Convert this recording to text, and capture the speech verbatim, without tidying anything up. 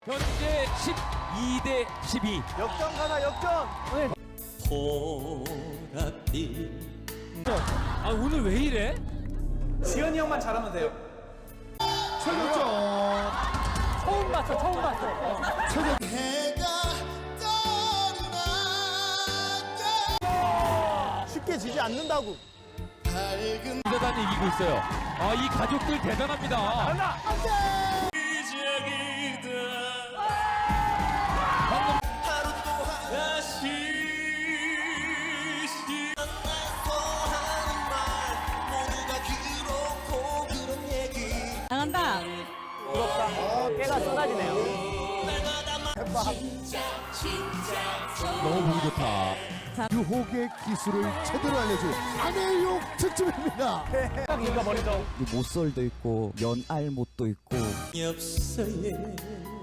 현재 십이 대 십이. 역전 가나 역전. 보랏빛 아 오늘 왜 이래? 지현이 형만 잘하면 돼요. 최고점. 처음 봤어, 처음 봤어. 해가 떠나 쉽게 지지 않는다고. 밝은 대단히 이기고 있어요. 아 이 가족들 대단합니다. 하나. 시작이다 하루 동안 다시 만나서 하는 말 모두가 그렇고 그런 얘기 나간다. 부럽다. 깨가 쏟아지네요. 너무 보기 좋다. 유혹의 기술을 제대로 알려준 아내용 특집입니다. 딱 이거 버리죠. 모쏠도 있고 연알못도 있고 엽서에